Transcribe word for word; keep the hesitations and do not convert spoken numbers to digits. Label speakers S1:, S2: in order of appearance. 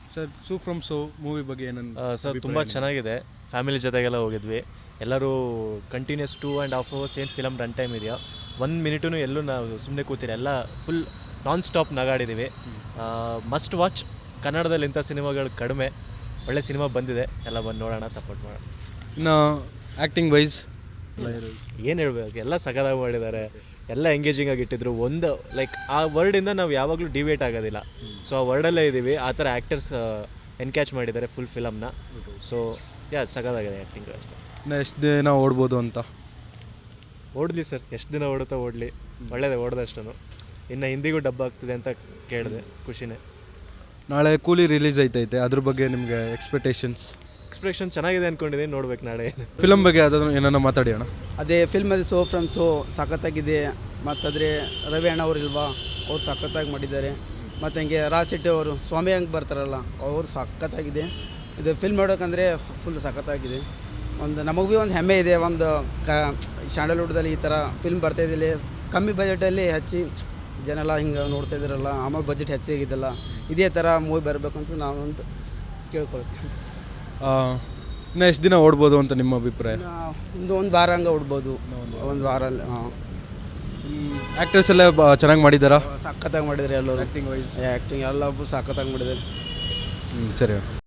S1: Sir Su from So movie ಬಗ್ಗೆ ಏನಂತ
S2: sir ತುಂಬ ಚೆನ್ನಾಗಿದೆ. ಫ್ಯಾಮಿಲಿ ಜೊತೆಗೆಲ್ಲ ಹೋಗಿದ್ವಿ. ಎಲ್ಲರೂ continues two and half hours ಏನು ಫಿಲಮ್ ರನ್ ಟೈಮ್ ಇದೆಯೋ ಒಂದು ಮಿನಿಟೂ ಎಲ್ಲೂ ನಾವು ಸುಮ್ಮನೆ ಕೂತಿರಿ, ಎಲ್ಲ ಫುಲ್ ನಾನ್ ಸ್ಟಾಪ್ ನಗಾಡಿದ್ದೀವಿ. Must watch. ಕನ್ನಡದಲ್ಲಿ ಇಂಥ ಸಿನಿಮಾಗಳು ಕಡಿಮೆ. ಒಳ್ಳೆ ಸಿನಿಮಾ ಬಂದಿದೆ, ಎಲ್ಲ ಬಂದು ನೋಡೋಣ, ಸಪೋರ್ಟ್ ಮಾಡೋಣ.
S1: ಇನ್ನು ಆ್ಯಕ್ಟಿಂಗ್ ವೈಸ್
S2: ಏನು ಹೇಳ್ಬೇಕು, ಎಲ್ಲ ಸಖತ್ತಾಗಿ ಮಾಡಿದ್ದಾರೆ, ಎಲ್ಲ ಎಂಗೇಜಿಂಗ್ ಆಗಿ ಇಟ್ಟಿದ್ರು. ಒಂದು ಲೈಕ್ ಆ ವರ್ಡಿಂದ ನಾವು ಯಾವಾಗಲೂ ಡಿವೇಟ್ ಆಗೋದಿಲ್ಲ. ಸೊ ಆ ವರ್ಡಲ್ಲೇ ಇದ್ದೀವಿ, ಆ ಥರ ಆ್ಯಕ್ಟರ್ಸ್ ಎನ್ಕ್ಯಾಚ್ ಮಾಡಿದ್ದಾರೆ ಫುಲ್ ಫಿಲಮ್ನ. ಸೊ ಯಾ ಸಖತ್ತಾಗಿದೆ ಆ್ಯಕ್ಟಿಂಗ್ ಅಷ್ಟೇ.
S1: ಇನ್ನು ಎಷ್ಟು ದಿನ ಓಡ್ಬೋದು ಅಂತ?
S2: ಓಡಲಿ ಸರ್, ಎಷ್ಟು ದಿನ ಓಡುತ್ತಾ ಓಡಲಿ, ಒಳ್ಳೇದೇ ಓಡ್ದಷ್ಟು. ಇನ್ನು ಹಿಂದಿಗೂ ಡಬ್ಬ ಆಗ್ತಿದೆ ಅಂತ ಕೇಳಿದೆ, ಖುಷಿನೇ.
S1: ನಾಳೆ ಕೂಲಿ ರಿಲೀಸ್ ಐತೈತೆ, ಅದ್ರ ಬಗ್ಗೆ ನಿಮಗೆ ಎಕ್ಸ್ಪೆಕ್ಟೇಷನ್ಸ್?
S2: ಎಕ್ಸ್ಪ್ರೆಷನ್ ಚೆನ್ನಾಗಿದೆ ಅಂದ್ಕೊಂಡಿದ್ದೀನಿ, ನೋಡ್ಬೇಕು ನಾಳೆ.
S1: ಫಿಲಮ್ ಬಗ್ಗೆ ಯಾವ್ದಾದ್ರು ಏನನ್ನ ಮಾತಾಡಿ ಅಣ್ಣ.
S3: ಅದೇ ಫಿಲ್ಮ್ ಅದು ಸೋ ಫ್ರಮ್ ಸೋ ಸಖತ್ತಾಗಿದೆ. ಮತ್ತಾದರೆ ರವಿ ಅಣ್ಣ ಅವರು ಇಲ್ವಾ, ಅವ್ರು ಸಖತ್ತಾಗಿ ಮಾಡಿದ್ದಾರೆ. ಮತ್ತು ಹಂಗೆ ರಾಜ್ ಶೆಟ್ಟಿ ಅವರು, ಸ್ವಾಮಿ ಹಂಗೆ ಬರ್ತಾರಲ್ಲ, ಅವರು ಸಖತ್ತಾಗಿದೆ. ಇದು ಫಿಲ್ಮ್ ನೋಡೋಕಂದರೆ ಫುಲ್ ಸಖತ್ತಾಗಿದೆ. ಒಂದು ನಮಗೆ ಭೀ ಒಂದು ಹೆಮ್ಮೆ ಇದೆ, ಒಂದು ಕ ಸ್ಯಾಂಡಲ್ವುಡ್ದಲ್ಲಿ ಈ ಥರ ಫಿಲ್ಮ್ ಬರ್ತಾಯಿದ್ದಿಲ್ಲ. ಕಮ್ಮಿ ಬಜೆಟಲ್ಲಿ ಹೆಚ್ಚಿ ಜನ ಎಲ್ಲ ಹಿಂಗೆ ನೋಡ್ತಾ ಇದ್ದಾರಲ್ಲ, ಆಮೇಲೆ ಬಜೆಟ್ ಹೆಚ್ಚಾಗಿದ್ದಲ್ಲ, ಇದೇ ಥರ ಮೂವಿ ಬರಬೇಕಂತ ನಾವು ಅಂತ ಕೇಳ್ಕೊಳ್ತೀವಿ.
S1: ಇನ್ನು ಎಷ್ಟು ದಿನ ಓಡ್ಬೋದು ಅಂತ ನಿಮ್ಮ ಅಭಿಪ್ರಾಯ?
S3: ಒಂದು ಒಂದು ವಾರ ಹಂಗೆ ಓಡ್ಬೋದು, ಒಂದು ವಾರ. ಹಾಂ,
S1: ಆ್ಯಕ್ಟರ್ಸ್ ಎಲ್ಲ ಚೆನ್ನಾಗಿ ಮಾಡಿದ್ದಾರಾ?
S3: ಸಖತ್ತಾಗಿ ಮಾಡಿದ್ದಾರೆ ಎಲ್ಲರೂ.
S1: ಆ್ಯಕ್ಟಿಂಗ್ ವೈಸ್
S3: ಆ್ಯಕ್ಟಿಂಗ್ ಎಲ್ಲ ಸಖತ್ತಾಗಿ ಮಾಡಿದ್ದಾರೆ.
S1: ಹ್ಞೂ ಸರಿ.